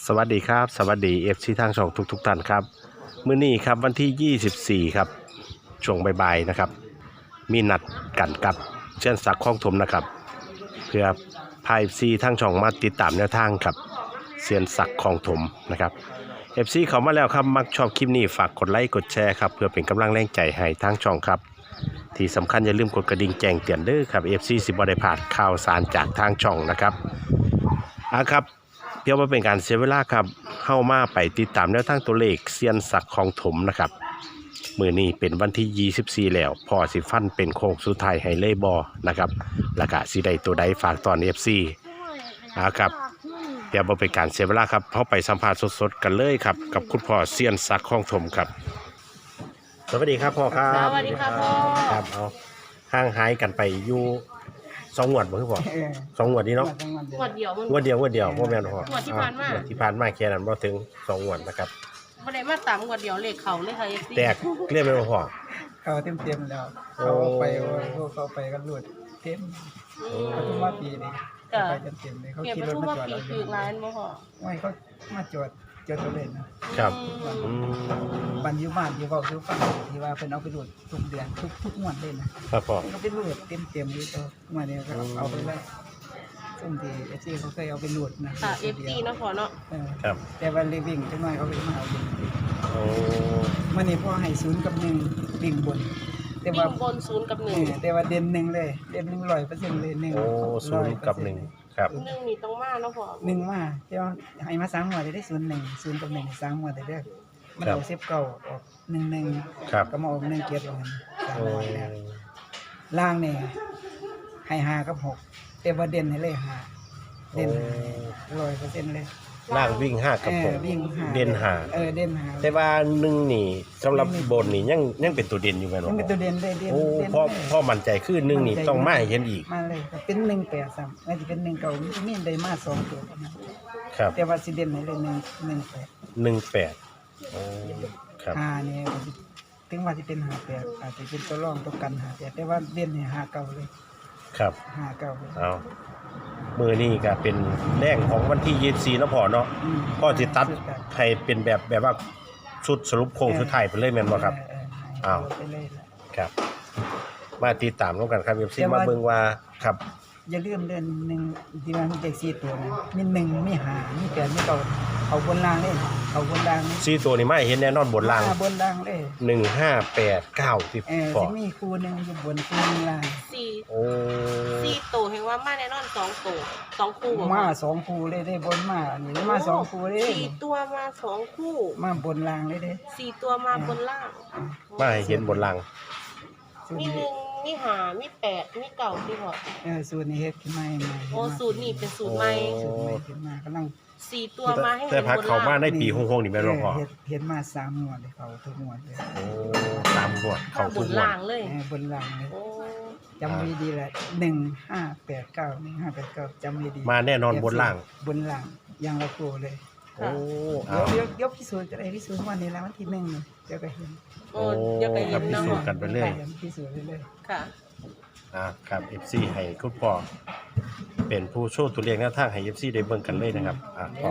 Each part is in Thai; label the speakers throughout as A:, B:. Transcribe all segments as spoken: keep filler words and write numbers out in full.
A: สวัสดีครับสวัสดีเอฟซีทางช่องทุกๆท่านครับมื้อนี้ครับวันที่ยี่สิบสี่ครับช่วงบ่ายๆนะครับมีนัดกันกับเช่นศักดิ์ข้องถมนะครับเพื่อพายเอฟซีทางช่องมาติดตามแนวทางกับเซียนศักดิ์ข้องถมนะครับเอฟซีเขามาแล้วครับมักชอบคลิปนี้ฝากกดไลค์กดแชร์ครับเพื่อเป็นกำลังแรงใจให้ทางช่องครับที่สำคัญอย่าลืมกดกระดิ่งแจ้งเตือนเด้อครับเอฟซีสิบ่ได้พลาดข่าวสารจากทางช่องนะครับอ่ะครับเพื่อว่าเป็นการเสียเวลาครับเข้ามาไปติดตามแนวทางตัวเลขเซียนศักดิ์ข้องถมนะครับมื้อนี้เป็นวันที่ยี่สิบสี่แล้วพอสิฟันเป็นโค้งสุดท้ายให้เลยบอนะครับแล้วก็สิได้ตัวใดฝากตอน เอฟ ซี อ่าครับเดี๋ยวบ่เป็นการเสียเวลาครับเข้าไปสัมภาษณ์สดๆกันเลยครับกับคุณพ่อเซียนศักดิ์ข้องถมครับสวัสดีครับพ่อครับ
B: สวัสดีครับพ่อ
A: ครับเอาห่างหายกันไปอยู่สองงวดบ่คือพ่อสองงวดนี้เนาะ
B: งวดเดียวมึง
A: งวดเดียวงวดเดียวบ่แม่นพ่อง
B: วดที่ผ่านมา
A: งวดที่ผ่านมาแค่นั้นบ่ถึงสองงวดนะครับ
B: ไม่ได้มาตามงวดเดียวเลขเขาเลยค่ะเอฟซี
A: แตกเรียกไปบ่พ่อ
C: เขาเต็มเต็มๆแล้ว
A: โอ้
C: เขาไปเขาไปกันรวดเต็มเขาทุ่มว่าปีนี่
B: จ้ะ
C: ไปเต็มเต็มๆเลยเขา
B: เก็บ
C: ขี่
B: ไป
C: รถ
B: ทุก
C: มา
B: ว่า
C: จอด
B: ปี
C: เราอ
B: คื
C: ยู่
B: อร้านบ่พอ
C: ไม่เขามาจอดจอดตัวเล่นนะครับ
A: อืม
C: บันอยูบ้านอยู่เบาอยู่ฟังที่ว่าเป็นเอาไปรวดทุกเดือนทุกทุกงวดเลยนะครับ
A: พ่อ
C: เขาไปรวดเต็มเต็มๆเลยตัวงวดนี้ก็เอาไปเลยซึ่งที่เอฟซีเขาเคยเอาไปรวดนะ
B: ค่ะเอฟซีเนาะพอเนาะ
C: เออ
A: ครับ
C: แต่วันรีวิ่งจังหน่อยเขาไปมาเอาวิ่ง
A: โอ้
C: มื่อนี้พ่อให้ศูนย์กับหนึ่งวิ่งบน แต่
B: วิ่
C: ว่า
B: งบนศูนย์กับห
C: เอ
B: นึ่ง
C: อแต่ว่าเด่นหนึ่งเลยเด่นหนึ่งร้อยเปอร์เซ็นต์เลยหนึ่ง
A: โอ้ศูนย์กับหนึ่งครับ
B: หนึ่งนี่ต้องมาเนาะพอ
C: หนึ่งมาเดี๋ยวให้มาสามหัวจะได้ศูนย์หนึ่งศูนย์กับหนึ่งสามหัวแต่เด้อมันเอาเซฟเก่าออกหนึ่งหนึ่ง
A: ครับ
C: ก็มาออกหนึ่งเกียรติออกสาม
A: โอ้
C: หัวแล้วล่างเนี่ยให้ห้ากับหกแต่ว่าเด่นให้เลยห้าเด่นร้อยเปอร์เซ็นต์เลย
A: ล่างวิ่งห้ากับ
C: เอ
A: ห
C: อก วิ่งห้า
A: เด่นห้า
C: เออเด่นห้า
A: แต่ว่าหนึ่งนี่สำหรับบนนี่ยังยังเป็นตัวเด่นอยู่แม่นบ่
C: มันเป็นตัวเด่นเลยเด่น
A: โอ้
C: เด่น
A: พ่อ
C: เลย
A: พ่อมั่นใจคือหนึ่งนี่ต้องมาให้เห็นอีก
C: มาเลยเป็นหนึ่งแปดสามไม่จะเป็นหนึ่งเก่ามันจะมีได้มาสองตัวนะครับ แต่ว่าสิเด่นให้เลยหนึ่งหนึ่งแปด
A: หนึ่งแปดโอ้ครับ
C: ห้าเนี่ยถึงว่าจะเป็นหาแปดอาจจะเป็นตัวรองตัวกันหาแปดแต่ว่าเด่นเนี่ยหาเก่าเลย
A: ครับ
C: หาเก่าเลย
A: เอามือนี่ก็เป็นแรงของวันที่ยี่สิบสี่แล้วพอเนาะ
C: ม
A: พ่อสิตัดให้เป็นแบบแบบว่าชุดสรุปโครงสุดท้ายไปเลยแม่นบ่ครับ
C: เออเออ
A: อ้าว
C: ไปเลยล่ะ
A: ครับ มาติดตามร่วมกันครับเอฟซีมาเบิ่งว่าครับ
C: อย่าลืมเดือนหนึ่งที่ว่ามันเด็กสี่ตัวนะมีหนึ่งมีหามีแปดมีเก่าเอาบนล่างเลยเอาบนล่างเลย
A: ซีตัวนี้มาให้เห็นแน่นอนบนล่าง
C: บนล่างเลย
A: หนึ่งห้าแปดเก้าสิบ
C: เออ
A: พอ
C: จะมีคู่หนึ่งอยู่บนคู่หนึ่งล่าง
B: สี่
A: โอ้
B: สี่โตเห็นว่ามาแน่นอนสองโตสองคู่บ่
C: มาสองคู่เลยได้บนมาอันนี้มาสองคู่เลย
B: สี่ตัวมาสองคู่
C: มาบนล่างเลยเด้
B: สี่ตัวมาบนล่าง
A: มาให้เห็นบนล่าง
C: สูตร
B: มี
C: นี้
B: หนึ่งมีหามีแปดมีเก่าที่พอ
C: เออสูตรนี้เฮ็ดขึ้นมาใหม่
B: โอ้สูตรนี่เป็นสูตรใหม่
C: สูตรใหม่ขึ้นมากำลัง
B: สี่ตัวมาให้
A: แต่
B: เห็น
A: พัก
B: บน
A: เขามา
B: ล่าง
A: ได้ปีหงๆนี่แม่นบ่พอ
C: เฮ็ดเฮ็ดมาสามงวดเลยเขาทุกงวดเลย
A: โอ้ตามงวดเขา
B: บ
A: ทุก
B: น
A: งวด
B: ล่างเลย
C: เออบนล่างเลย
B: โอ้
C: จำไว้ดีแหละหนึ่งห้าแปดเก้าหนึ่งห้าแปดเก้าจำไว้ดี
A: มาแน่นอนบนล่าง
C: บนล่างอย่างละคู่เลย
A: โอ้
C: เดี๋ย
A: เอา
C: วเดี๋ยวเดี๋ยวพิสูจน์จะได้พิสูจน์วันนี้แล้ววันที่หนึ่งนี่เดี๋ยวก็เห็น
B: โอ้เดี๋ยวไป
A: ครั
B: เห็
A: บ
B: น
A: พิ
B: เนาะ
A: สูจน์กันไปเรื่อย
C: พิสูจน์ไปเรื่อย
B: ค่ะ
A: อ่าครับ เอฟ ซี ให้คุณพ่อเป็นผู้โชว์ตัวเลขแนวทางให้ เอฟ ซี ได้เบิ่งกันเลยนะครับอ่าพ่อ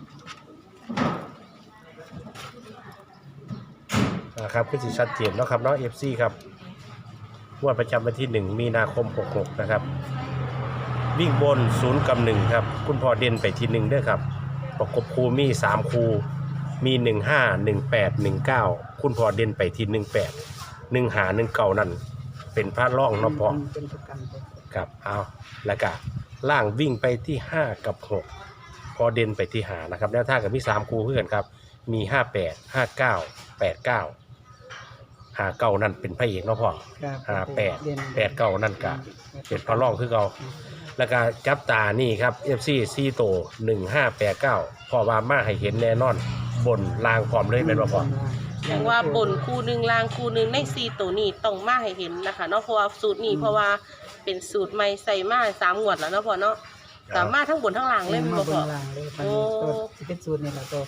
A: อ่าครับคือสิชัดเจนเนาะครับเนาะ เอฟ ซี ครับงวดประจำวันที่หนึ่งมีนาคมหกหกนะครับวิ่งบนศูนย์กับหนึ่งครับคุณพ่อเด่นไปที่หนึ่งด้วยครับประกบคูมีสามคูมีหนึ่งห้าหนึ่งแปดหนึ่งเก้าคุณพ่อเด่นไปที่หนึ่งแปดหนึ่งหาหนึ่งเก้านั่นเป็นพระร่องเนาะพ่อ
C: เป็นประกันไป
A: ครับเอาแล้วก็ล่างวิ่งไปที่ห้ากับหกพอเด่นไปที่หานะครับแนวทางกับมีสามคูเพื่อนครับมีห้าแปดห้าเก้าแปดเก้าหาเก้านั่นเป็นพระเอกเนาะพ่อ
C: ครับ
A: ห้าแปด
C: เด่น
A: แปดเก้านั่นก็เป็นพระร่องคือเราแล้วก็จับตานี่ครับเอฟซีซีโตหนึ่งห้าแปดเก้าพอว่ามาให้เห็นแน่นอนบนลางพร้อมเลยเป็นว่าพ่อ
B: อย่างว่าบนคู่หนึ่งล่างคู่หนึ่งในสี่ตัวนี้ต้องมาให้เห็นนะคะเนาะเพราะว่าสูตรนี้เพราะว่าเป็นสูตรใหม่ใส่มาสามงวดแล้วเนาะพ่อเนาะสามารถทั้งบนทั้งล่างเลย
C: มา
B: บ่
C: บ
B: พ่อน
C: ล่างเลยมัน
B: โอ้
C: ตัวที่เป็นสูตรนี่เราตัวไป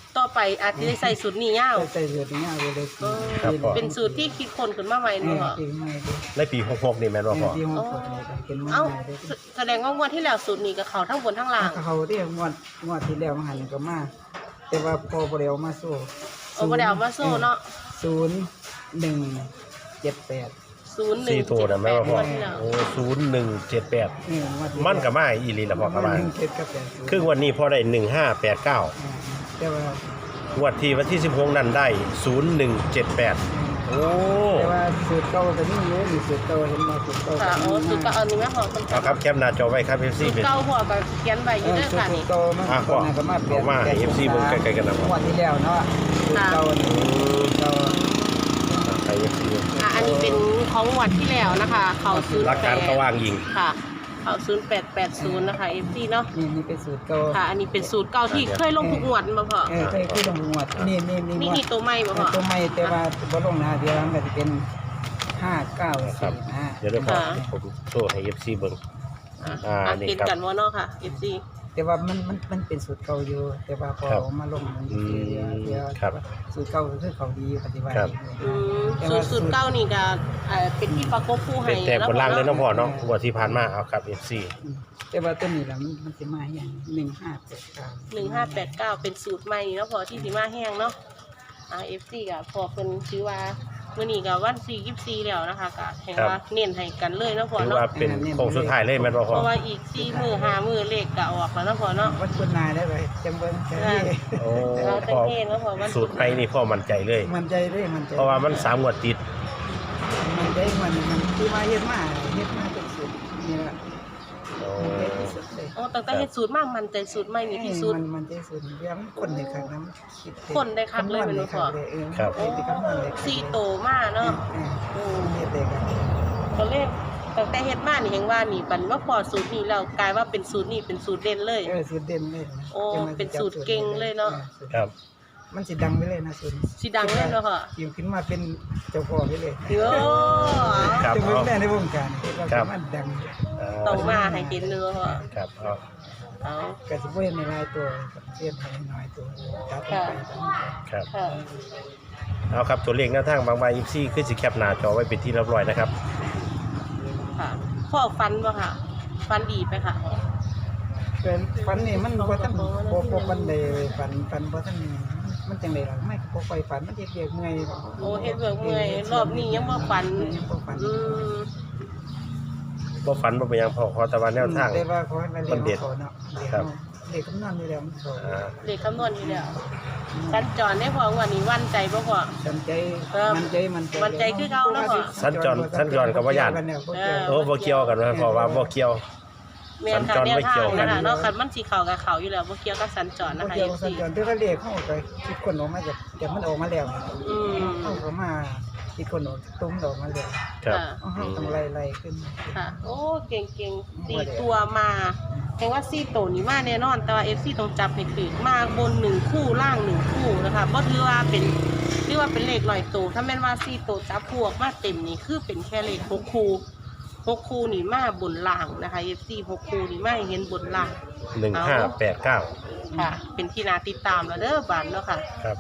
B: ต่อไปอาจจะได้ใส่สูตรนี้ยาว
C: ใส่เลือดนี่เอาเลย
B: เออเป็นสูตรที่คิดคนขึ้นมาใหม่
C: นี่
B: เนาะ
C: ปีใหม่ดิ
A: ในปีหกหกนี่แม่นบ่พ่อ
C: ที่ห้องสดนี่เป็นมา
B: เอ้า
C: ใหม่ดิ
B: แสดงว่างวดที่แล้วสูตรนี้กับเขาทั้งบนทั้งล่าง
C: เขาที่งวดงวดที่แล้วมาหันก็มาแต่ว่าพอบ่ได้เอามาสู้
B: เอาบ่ได้เอามาโซ่เนาะ
C: ศูนย์หนึ่งเจ็ดแปด
B: ศูนย์หนึ่
A: สี่
B: ง
A: ตัว
B: เจ็ด
A: นะ
B: แป
A: แม่
B: ด
A: ว่าพ่อ
B: วดที่แล้ว
A: โอ้ศูนย์หนึ่งเจ็ดแปด
C: นี่งวดที่
A: มันก็มาอีหลีละพ่อก็มา
C: หนึ่งเจ็ดกับแปดศูนย์
A: ครึ่งวันนี้พ่อได้หนึ่งห้าแปดเก้า
C: อ่าแต่ว่า
A: งวดที่วันที่สิบหกนั้นได้ศูนย์หนึ่งเจ็ดแปดโอ้
C: แต่ว่าสูตรเก่าก็นี่อยู่นี่สูตรเก่าเห็นมาสูตรเก่า
B: ค่ะโอ้สูตรเก่าอันนี้แม่พอต้อง
A: เอาครับแคปหน้าจอไว้ครับ เอฟ ซี
B: สูตร
A: เป็น
B: เก่าหัวกับเขียนไว้อ
C: เอยู่ อ
B: เด้อ
C: สูต
B: ค่ะ
C: ร
B: นี่
C: เก่ามัน
A: อ่ะพ่อ
C: ก็มาเปลี่ยน
A: เอามาให้ FC เบิ่งใกล้ๆกันนะพ่อ
C: งวดที่แล้วเนาะสูตรเก่านี่เก่า
A: ใครเอฟซี
B: อ่ะอันนี้เป็นของงวดที่แล้วนะคะ เขาศูนย์
A: รัก
B: แป
A: การ
B: ด
A: เขาว่างยิง
B: ค่ะ เขาศูนย์แปดแปดศูนย์นะคะ เอฟ ซี เนาะ
C: นี่นี่เป็นสูตรเก่า
B: ค่ะ อันนี้เป็นสูตรเก่าที่เคยลงทุกงวดมาพอ
C: เออเคยคือลงงวดนี่นี่นี่
B: นี่
C: งวด
B: นี่ตัวใหม่บ่พอ
C: ตัวใหม่แต่ว่าบ่ลงนะเดี๋ยวมันก็จะเป็นห้าเก้า
A: ครับ
C: สี่นะ
A: เดี๋ยวได้พ่อ
B: ค่ะ
A: ผมโชว์ให้ เอฟ ซี เบิ่ง
B: อ่ะ
A: อ่า
B: อ่ะ
A: นี่
B: เห็น
A: ครับ
B: กันว่าเนาะค่ะ เอฟ ซี
C: แต่ว่ามันมันมันเป็นสูตรเก่าอยู่ แต่ว่าพอ
A: ครับ
C: เอามาลงมัน
A: อืม
C: เดี๋ยวเดี๋ยว
A: ครับ
C: สูตรเก่าก็คือเขาดีปฏิบัติ
A: ครับ
B: อืมสูตรสูตรเก่านี่ก็เอ่อเป็นที่ประกบคู่ให้
A: เป็นแต่บนล่างเลย
B: เนาะ
A: เนาะพ่อเนาะงวดที่ผ่านมาเอาครับ เอฟ ซี
C: อืมแต่ว่าตัวนี้ล่ะมันมันสิมาอย่างหนึ่งห้าแปดเก้า
B: หนึ่งห้าแปดเก้าเป็นสูตรใหม่เนาะพอที่สีมาแห้งเนาะอ่าเอฟซีกับพอเป็นชื่อว่ามื่อนี้กับวันสี่ยี่สี่แล้วนะคะก็เห็นว่าเน้นให้กันเลยเนาะพอ
A: ถือ
B: เนาะ
A: ว่าเป็นโค้งสุดท้ายเลยแม่นบ่
B: เพ
A: พ่อ
B: ราะว่าอีกสี่มือห้ามือเลขก็ออกแล้วเนาะพอเนาะ
C: วัดคุณนายได้ไปจังเบิ้งจัง
B: อ่า
C: นี่
A: โอ้
B: เราจะ
A: พ่อ
B: เห็นแล้วพอวัน
A: สูตรไปนี่พ่อมั่นใจเลย
C: มันใจเลยมันใจ
A: เพราะว่ามันสามงวดติด
C: มันใจมันมันคือมาเฮ็ดมาเฮ็ดมาเป็นสูตรนี่ล่ะ
A: โอ้
C: มันใจที่สุดเลย
B: โอ้ตั้งแต่เฮ็ดสูตรมากมันใจสูตรใหม่นี่ที่สุด
C: มันมันใจสุดเรื่องคนในครั้งนั้นคิดเอง
B: คนได้คักเลยเป็นบ่พอ
C: คำนวณได้เออ
A: ครับ
C: เฮ็ดที่คำนวณได้
B: สี่โตมากเนาะ
C: เออเฮ็ดได้กัน
B: ก็เลยตั้งแต่เฮ็ดมานี่เห็นว่านี่บัดว่าพอสูตรนี้แล้วกลายว่าเป็นสูตรนี้เป็นสูตรเด่นเลย
C: เออสูตรเด่นเลยนะ
B: โอ้
C: จังว่า
B: เป็นสูตรเก่งเลยเนาะ
C: ออสูต
A: ครับ
C: มันสิดังไปเลยนะสูตร
B: สิดังเลยเนาะค่ะ
C: อยู่ขึ้นมาเป็นเจ้าพ่อไปเลย
B: โอ้
A: ครับ
C: จะเป็น
A: เอา
C: แม่ในวงการว่า
A: ครับ
C: มันดัง
A: เอ่อ
B: ต้องมาให้เห็นเนื้อค่ะ
A: ครับเอา
B: เอา
C: ก็สิบ่เห็นในหลายตัวเสียนให้น้อยตัวตัดไปตัดไป
A: ครับ
B: ค่ะ
A: เอาครับตัวเลขหน้าทางบางใบอีซี่คือสิแคปหน้าจอไว้เป็นที่เรียบร้อยนะครับ
B: ค่ะพ่อฟันบ่ค่ะ ฟันดีไปค่ะ
C: เกินฟันนี่มันบ่ทันบ่บ่ปันใดฟันฟันบ่ทันนี่มันจังได๋ล่ะไม่บ่ค่อยฟันมันเฮ็ดเวียกเมื่อย
B: โอ้เฮ็ดเบิกเมื่อยรอบนี้ยังบ่ฟัน
C: ยังบ่ฟัน
B: อืม
A: บ่ฝันบ่เป็นหยังพอขอแต่ว่าแนวทาง
C: แต่ว่าขอให้มันเรีย
A: มันเด็ด
C: เขาเนาะเรียน
A: ครับ
C: เด็กคำนวณอยู่แล้วมันเขา
A: อ่า
B: เลขคำนวณอยู่แล้วสัญจรได้พอวันนี้วันใจบ่พอ
C: สันใจ
B: ครับ
C: มันใจมันใจ
B: มันใจคือเก่าเนาะพ่อ
A: สัญจรสัญจรกับว่าย่าน
B: เออ
A: โอ้บ่เกี่ยวกันนะเพราะว่าบ่เกี่ยว
B: แม่นค่ะ
A: สัญจร
B: แนว
A: ไม่
B: ทา
A: เกี่
B: ง
A: ยวกัน
B: นะคะเนาะคันมันสิเข้ากับเขาอยู่แล้วบ่เกี่ยวกับสัญจร
C: มั
B: นะ
C: น
B: คะ
C: เกี่ยว
B: เอฟ
C: กับสั
B: ซี
C: ญจรที่เขาเรียกเข้าไปคิดคนออกมาจากแต่มันออกมาแล้ว
B: อืม
C: เข้าเขามาคิดคนออกตุ้มออกมาแล้ว
A: ครับ
C: เอาเขาต้องไล่ไล่ขึ้น
B: ค่ะ โอ้เก่งเก่งๆสี่ตัวมาแปลว่าสี่ตัวนี้มาแน่นอน แต่ว่า เอฟ ซี ต้องจับให้ถูกมาบนหนึ่งคู่ล่างหนึ่งคู่นะคะบ่ถือว่าเป็นถือว่าเป็นเลขลอยตัวถ้าแม่นว่าสี่ตัวจับพวกมาเต็มนี่คือเป็นแค่เลขหกคู่หกคู่นี่มาบนล่างนะคะ เอฟ ซี หกคู่นี่มาให้เห็นบนล่าง
A: หนึ่งห้าแปดเก้า
B: ค่ะ เป็นที่นาติดตามแล้วเด้อบานเนาะค่ะ
A: ครับ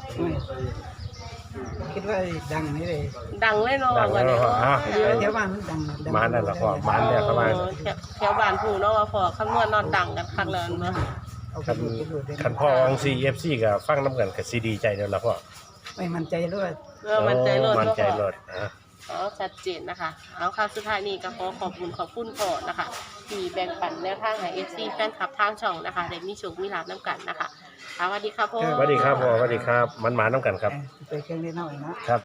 C: คิดว่าดังนี่เลย
B: ดังเลยเนาะ
A: ดังแล้ว
B: วันนี้
A: เหรออ่ะ
B: เนาะ
C: แถวบ้านมันดังดัง
A: มานั่นล่ะพ่อมา เนี่ยเข้ามา
B: เออแถวแถวบ้านผู้เนาะว่าพอคำนวณนอนดังกันคักแล้วเนาะ
C: เอา
A: คัน
C: ไปดูไปดูได้
A: คันพ่อวังซีเอฟซีกับฟังน้ำกันกับซีดีใจเดียวละพ่อ
C: ไม่มั่นใจเลย
B: เออมันใจรด
A: มัน
B: เนาะ
A: ใจ
B: พ่อ
A: รถอ่ะ
B: อ๋อชัดเจนนะคะ เอาค่ะสุดท้ายนี้ก็ขอขอบคุณขอบคุณพ่อนะคะที่แบ่งปันแนวทางให้ เอฟ ซี แฟนคลับทางช่องนะคะได้มีโชคมีลาภน้ำกันนะคะค่ะสวัสดีค่ะพ่อ
A: สวัสดีครับพ่อสวัสดีครับ มันหมาน้ำกันครับ
C: ไปเครื่องเล่นน้อยนะ
A: ครับ